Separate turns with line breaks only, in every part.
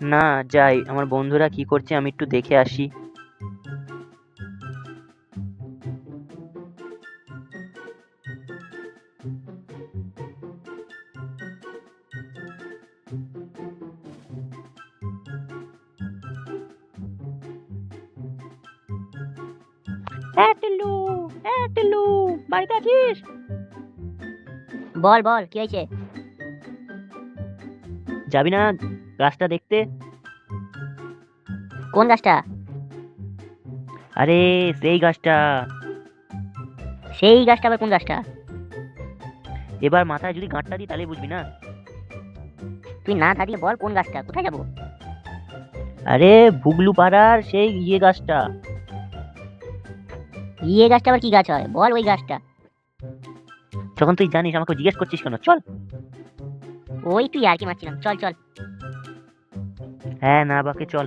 না, যাই, আমার বন্ধুরা কি করছে আমি একটু দেখে আসি।
টিল্লু, টিল্লু, বাড়িতে আছিস?
বল বল, কি হয়েছে?
যাবি না গাছটা দেখতে?
কোন গাছটা?
আরে, সেই গাছটা।
সেই গাছটা আবার কোন গাছটা?
এবার মাথায় যদি গাঁটটা দিই তাহলে বুঝবি না।
তুই না থাকলে বল কোন গাছটা, কোথায় যাবো?
আরে, ভুগলু পাড়ার সেই গাছটা।
ইয়ে গাছটা আবার কি গাছ হয়, বল ওই গাছটা।
যখন তুই জানিস আমাকে জিজ্ঞেস করছিস কেন? চল।
ওই তুই আর কি মারছিলাম, চল চল।
হ্যাঁ, না বাকে চল।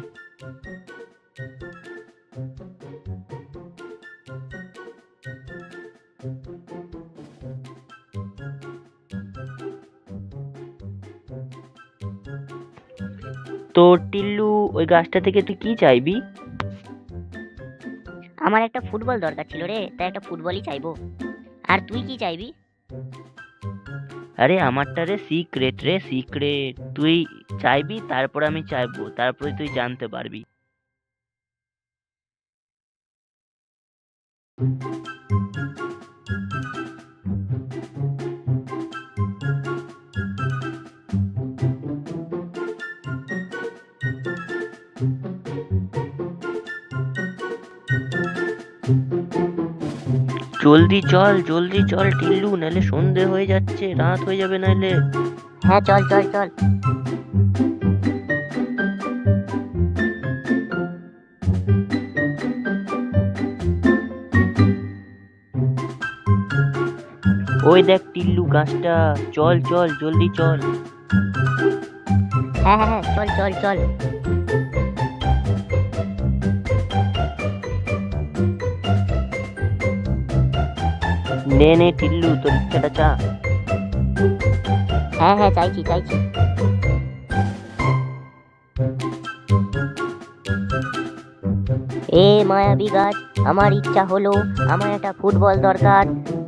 তো টিল্লু, ওই গাছটা থেকে তুই কি চাইবি?
আমার একটা ফুটবল দরকার ছিল রে, তাই একটা ফুটবলই চাইবো। আর তুই কি চাইবি?
আরে, আমারটা রে সিক্রেট, রে সিক্রেট। তুই চাইবি, তারপর আমি চাইবো, তারপরে তুই জানতে পারবি। জলদি চল, জলদি চল টিল্লু, নাহলে সন্ধে হয়ে যাচ্ছে, রাত হয়ে যাবে নাহলে।
হ্যাঁ চল চল চল।
ওই দেখ টিল্লু গাছটা। চল চল, জলদি চল।
হ্যাঁ হ্যাঁ হ্যাঁ, চল চল চল।
নে নে টিল্লু, তোর ইচ্ছাটা চা।
হ্যাঁ হ্যাঁ, চাইছি চাইছি। এ মায়াবী গাছ, আমার ইচ্ছা হলো, আমার একটা ফুটবল দরকার।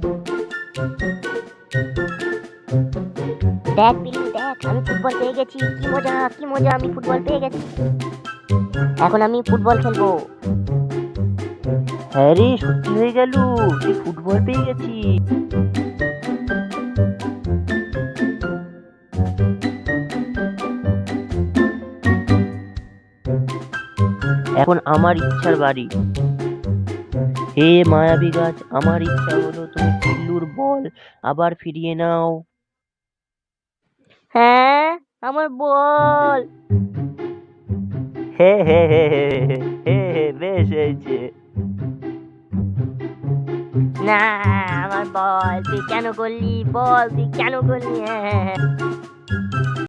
দেখ বিল্লু দেখ, আমি ফুটবল পেয়ে গেছি, কি মজা কি মজা, আমি ফুটবল পেয়ে গেছি। এখন আমি ফুটবল খেলবো।
হ্যাঁ রে, সত্যি হয়ে গেল, তুই ফুটবল পেয়ে গেছিস। এখন আমার ইচ্ছার বাড়ি। হে মায়াবী গাছ, আমার ইচ্ছা হলো তুমি টিল্লুর বল আবার ফিরিয়ে নাও।
হ্যাঁ, আমার বল।
হে হে হে হে হে হে হে, বেশ হয়েছে।
না, আমার বল তুই কেন করলি, বল তুই কেন করলি? হ্যাঁ হ্যাঁ হ্যাঁ।